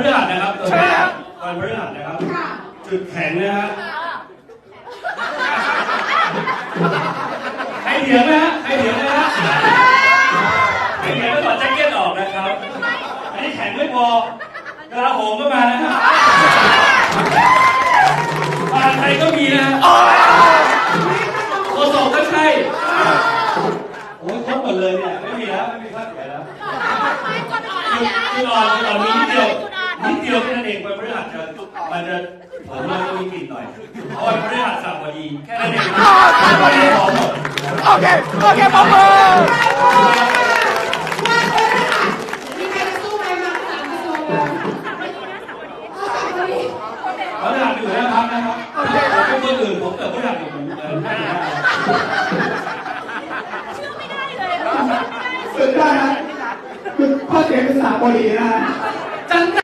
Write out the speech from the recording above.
ฤหัสนะครับตัวนี้วันพฤหัสนะครับจุดแข็งนะฮะให้เถียงนะฮะให้เถียงนะฮะให้เถียงแล้วถอดแจ็คเก็ตออกนะครับอันนี้แข็งไม่พอกระโหมก็มานะฮะผ่านไทยก็มีนะโคศกก็ใช่โอ้ยครบหมดเลยเนี่ยไม่มีแล้วไม่มีภาคไหนแล้วจุดอ่อนมีนิดเดียวแค่นั้นเองวันพฤหัสมันจะผมว่าจะมีกลิ่นหน่อยเพราะวันพฤหัสสับดีแค่นั้นเองไม่ได้หอมหมดโอเคปอมเบอร์มีใครจะสู้ไหมมาสามกระทรวงพฤหัสอยู่นะครับเป็นคนอื่นผมแต่พฤหัสอยู่ผมสุดยอดนะคือข้อเสียเป็นสาบดีนะ